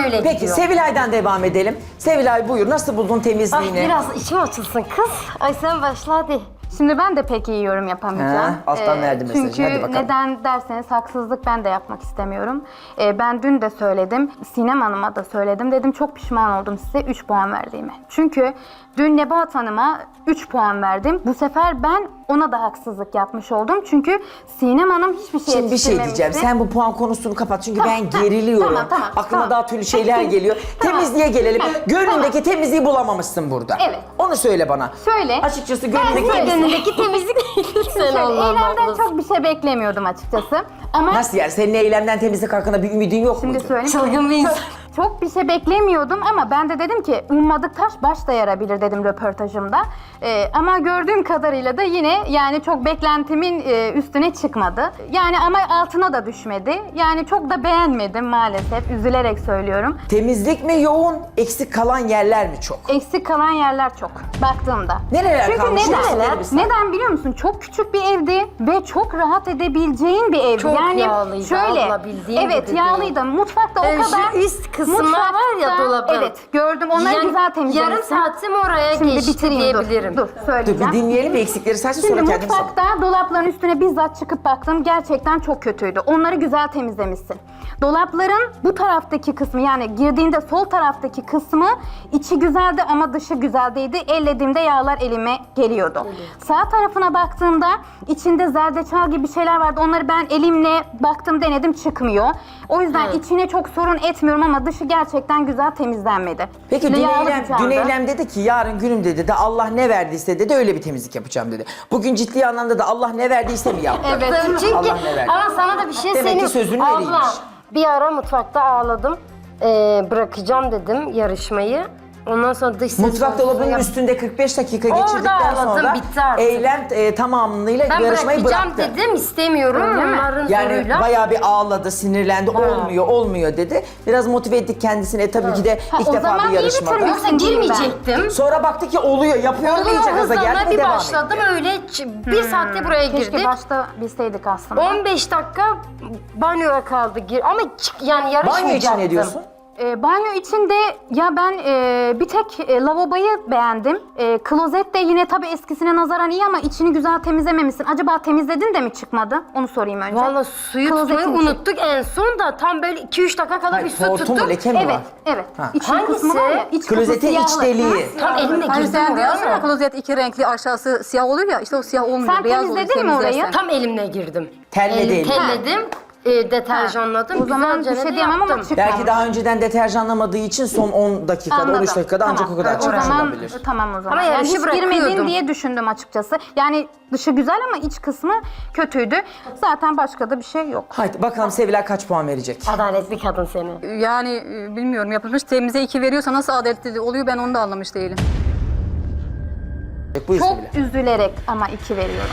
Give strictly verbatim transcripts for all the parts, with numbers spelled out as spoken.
öyle Peki gidiyor. Sevilay'dan devam edelim. Sevilay buyur, nasıl buldun temizliğini? Ay biraz içim açılsın kız. Ay sen başla hadi. Şimdi ben de pek iyi yorum yapamayacağım. Ha, alttan verdi mesajı. Çünkü Hadi bakalım. neden derseniz haksızlık ben de yapmak istemiyorum. Ee, ben dün de söyledim, Sinem Hanım'a da söyledim. Dedim çok pişman oldum size üç puan verdiğime. Çünkü dün Nebahat Hanım'a üç puan verdim. Bu sefer ben ona da haksızlık yapmış oldum. Çünkü Sinem Hanım hiçbir şey Şimdi bir şey diyeceğim. yetiştirmemişti. Sen bu puan konusunu kapat çünkü Tamam, ben tamam, geriliyorum. tamam, tamam, Aklıma tamam. daha türlü şeyler geliyor. Tamam. Temizliğe gelelim. Tamam, Gönlündeki temizliği bulamamışsın burada. Evet. Onu söyle bana. Şöyle. Açıkçası gönlündeki Ben temizliği... Önündeki temizlik sen Şöyle, Allah'ım eylemden haklısın. çok bir şey beklemiyordum açıkçası. Ama Nasıl yani? Senin eylemden temizlik hakkında bir ümidin yok şimdi muydu? söyleyeyim. Çılgın bir insan. Çok bir şey beklemiyordum ama ben de dedim ki ummadık taş baş da yarabilir dedim röportajımda. Ee, ama gördüğüm kadarıyla da yine yani çok beklentimin e, üstüne çıkmadı. Yani ama altına da düşmedi. Yani çok da beğenmedim maalesef. Üzülerek söylüyorum. Temizlik mi yoğun, eksik kalan yerler mi çok? Eksik kalan yerler çok baktığımda. Nereler Çünkü kalmış? neden? Nereler bir say. Neden biliyor musun? Çok küçük bir evdi ve çok rahat edebileceğin bir evdi. Çok yani yağlıydı şöyle, abla, bildiğin evet gibi yağlıydı. Mutfakta Ee, o şu kadar. üst kısımlar var ya dolabın. Evet gördüm. Onları Yani güzel temizlemişsin. yarım saatim oraya Şimdi geçti bitireyim diyebilirim. dur. Dur Dur söyleyeceğim. bir dinleyelim ve eksikleri saçsın Şimdi sonra kendimiz mutfakta dolapların üstüne bizzat çıkıp baktım. Gerçekten çok kötüydü. Onları güzel temizlemişsin. Dolapların bu taraftaki kısmı yani girdiğinde sol taraftaki kısmı içi güzeldi ama dışı güzel değildi. Ellediğimde yağlar elime geliyordu. Sağ tarafına baktığımda içinde zerdeçal gibi şeyler vardı. Onları ben elimle baktım denedim çıkmıyor. O yüzden Evet. içine çok sorun etmiyorum ama dışı gerçekten güzel temizlenmedi. Peki Şimdi dün yağlı eylem, bir çağda. dün eylem dedi ki yarın günüm dedi de Allah ne verdiyse dedi öyle bir temizlik yapacağım dedi. Bugün ciddi anlamda da Allah ne verdiyse mi yaptı? Evet. Çünkü Allah ne verdi? ama sana da bir şey Demek söyleyeyim. ki sözünün Abla eriymiş. bir ara mutfakta ağladım. Ee, bırakacağım dedim yarışmayı. Ondan sonra dış ses Mutfak dolabının konusunu yap- üstünde kırk beş dakika Orada geçirdikten ağladım, sonra bitti artık. eylem e, tamamıyla Ben yarışmayı bırakacağım bıraktı. dedim istemiyorum Öyle mi? onların Yani soruyla. bayağı bir ağladı, sinirlendi, olmuyor, olmuyor dedi. Biraz motive ettik kendisini. E, tabii ki de Ha, ilk o defa zaman bir iyi yarışmada. bitirmişsin. Yoksa girmeyecektim. Sonra baktı ki oluyor, yapıyor, Oluyor iyice gaza hızla geldi ve bir devam başladım etti. öyle ç- bir saatte buraya Keşke girdik. başta bilseydik aslında. on beş dakika banyoya kaldı gir ama çık yani Banyo yarışmayacaktım. için ne diyorsun? E, banyo içinde ya ben e, bir tek e, lavaboyu beğendim. E, klozet de yine tabii eskisine nazaran iyi ama içini güzel temizlememişsin. Acaba temizledin de mi çıkmadı? Onu sorayım önce. Valla suyu Klozetin tutmayı içi. unuttuk en son da tam böyle iki üç dakika kadar Hayır, bir su hortum mu, tuttuk. leke mi Evet, var? evet. Ha. İçin Hangisi? kısmı var ya, iç kısmı Klozetin iç siyahlı. deliği. Tam elimle Hani girdim sen diyorsun ya oraya. klozet iki renkli aşağısı siyah oluyor ya işte o siyah olmuyor. Sen beyaz oluyor, temizledin mi temizlersen. orayı? Tam elimle girdim. Telle Elim- değil. Telledim, e, deterjanladım. O zaman güzelce bir şey de diyemem ama yaptım. çıkmamış. Belki daha önceden deterjanlamadığı için son on dakikada, Anladım. on üç dakikada ancak Tamam. o kadar O çıkmış zaman olabilir. tamam o zaman. Ama yani yarışı hiç girmedin bırakıyordum. diye düşündüm açıkçası. Yani dışı güzel ama iç kısmı kötüydü. Zaten başka da bir şey yok. Haydi bakalım Sevilay kaç puan verecek? Adaletli kadın seni. Yani e, bilmiyorum yapılmış temize iki veriyorsa nasıl adaletli oluyor ben onu da anlamış değilim. Buyur Çok Sevilay. üzülerek ama iki veriyorum.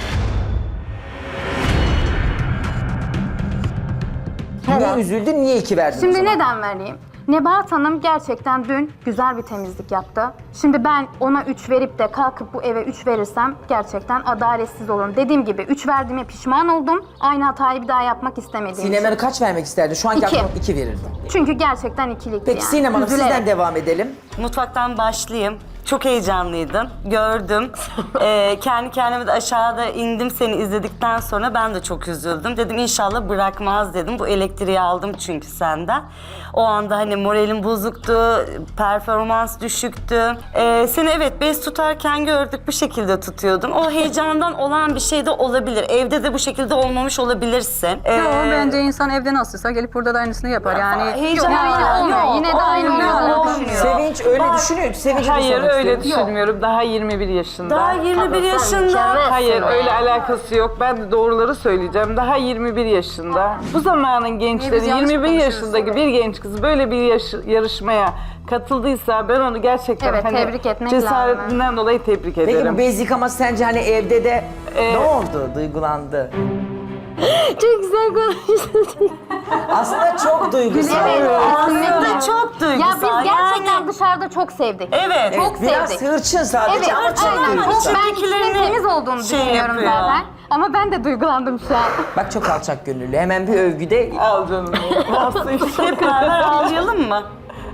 Niye üzüldün, niye iki verdin o Şimdi zaman? neden vereyim? Nebahat Hanım gerçekten dün güzel bir temizlik yaptı. Şimdi ben ona üç verip de kalkıp bu eve üç verirsem gerçekten adaletsiz olurum. Dediğim gibi üç verdiğime pişman oldum. Aynı hatayı bir daha yapmak istemediğim Sinem için. Hanım kaç vermek isterdi? Şu anki İki. aklım iki verirdi. Çünkü gerçekten ikilikti Peki yani. Sinem Hanım Üzülerek. sizden devam edelim. Mutfaktan başlayayım. Çok heyecanlıydım. Gördüm. Ee, kendi kendime de aşağıda indim seni izledikten sonra ben de çok üzüldüm. Dedim inşallah bırakmaz dedim. Bu elektriği aldım çünkü senden. O anda hani moralim bozuktu, performans düşüktü. Ee, seni evet bez tutarken gördük bu şekilde tutuyordun. O heyecandan olan bir şey de olabilir. Evde de bu şekilde olmamış olabilirsin. Ee, Yo, bence insan evde nasılsa gelip burada da aynısını yapar yani. heyecan Yok, yine olmuyor. Yine de aynı olmuyor, olmuyor. olmuyor. Sevinç öyle düşünüyor. Sevinç'i de Hayır sormak öyle istiyorum. düşünmüyorum. Daha yirmi bir yaşında. Daha yirmi bir Abla, sen yaşında. mükemmelsin Hayır be. öyle alakası yok. Ben de doğruları söyleyeceğim. Daha yirmi bir yaşında. Bu zamanın gençleri biz yanlış yirmi bir konuşuyoruz? yaşındaki bir genç kız böyle bir yaş- yarışmaya katıldıysa ben onu gerçekten Evet, hani tebrik etmek cesaretinden dolayı tebrik Peki ederim. bu bez yıkaması sence hani evde de Ee, ne oldu? Duygulandı. Çok güzel konuştun. Aslında çok duygusal. Evet, Aslında çok Ya duygusal. biz gerçekten yani. dışarıda çok sevdik. Evet. Çok Biraz sevdik. hırçın sadece Evet, ama çok aynen. Çok, duygusal. ben içinin İçindekilerini temiz olduğunu şey düşünüyorum yapıyor. zaten. Ama ben de duygulandım şu an. Bak çok alçak gönüllü. Hemen bir övgüde Al canım. Nasıl işte. Hep beraber ağlayalım mı?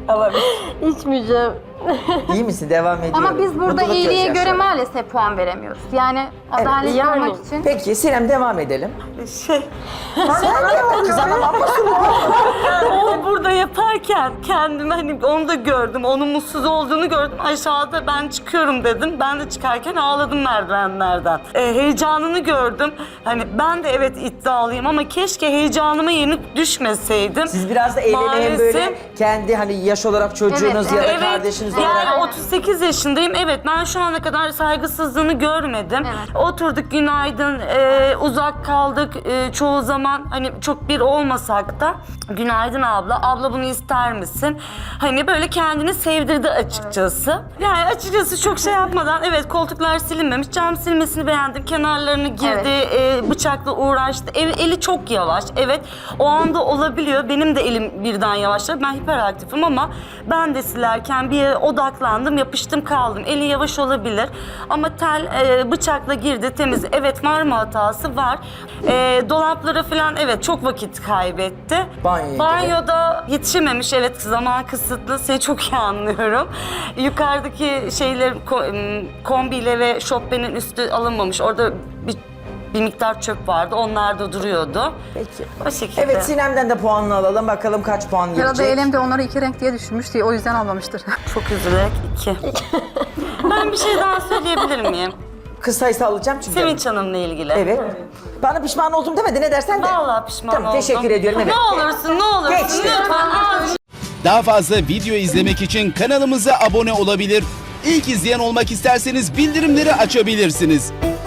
Alabilir. İçmeyeceğim. İyi misin? Devam ediyorum. Ama biz burada Mutluluk iyiliğe göre gözyaşları. maalesef puan veremiyoruz. Yani adaletli yani. olmak için. Peki Sinem devam edelim. Şey, Kızanamam o burada yaparken kendimi hani onu da gördüm. Onun mutsuz olduğunu gördüm. Aşağıda ben çıkıyorum dedim. Ben de çıkarken ağladım merdivenlerden. Ee, heyecanını gördüm. Hani ben de evet iddialıyım ama keşke heyecanıma yenik düşmeseydim. Siz biraz da eğlenelim Maalesef- böyle kendi hani yaş olarak çocuğunuz Evet, ya da Evet, kardeşiniz yani olarak. otuz sekiz yaşındayım. Evet, ben şu ana kadar saygısızlığını görmedim. Evet. Oturduk günaydın, e, uzak kaldık e, çoğu zaman. Hani çok bir olmasak da günaydın abla, abla bunu ister misin? Hani böyle kendini sevdirdi açıkçası. Yani açıkçası çok şey yapmadan, evet koltuklar silinmemiş, cam silmesini beğendim. Kenarlarını girdi, e, bıçakla uğraştı. El- eli çok yavaş. Evet, o anda olabiliyor. Benim de elim birden yavaşladı. Ben hiperaktifim ama ben de silerken bir yere odaklandım, yapıştım kaldım. Eli yavaş olabilir ama tel e, bıçakla girdi, temiz. Evet, var mı hatası? Var. E, dolaplara falan evet çok vakit kaybetti. Banyoya Banyoda yetişememiş, evet zaman kısıtlı. Seni çok iyi anlıyorum. Yukarıdaki şeyler ko- kombiyle ve şopbenin üstü alınmamış. Orada bir bir miktar çöp vardı. Onlar da duruyordu. Peki. O şekilde. Evet Sinem'den de puanını alalım. Bakalım kaç puan Herhalde gelecek. elimde onları iki renk diye düşünmüş diye o yüzden almamıştır. Çok üzülerek iki. Ben bir şey daha söyleyebilir miyim? Kız sayısı alacağım çünkü. Sevinç Hanım'la ilgili. Evet. Bana pişman oldum demedi ne dersen de. Vallahi pişman Tamam, oldum. teşekkür ediyorum, evet. Ne olursun, ne olursun Geçti. lütfen. az- Daha fazla video izlemek için kanalımıza abone olabilir. İlk izleyen olmak isterseniz bildirimleri açabilirsiniz.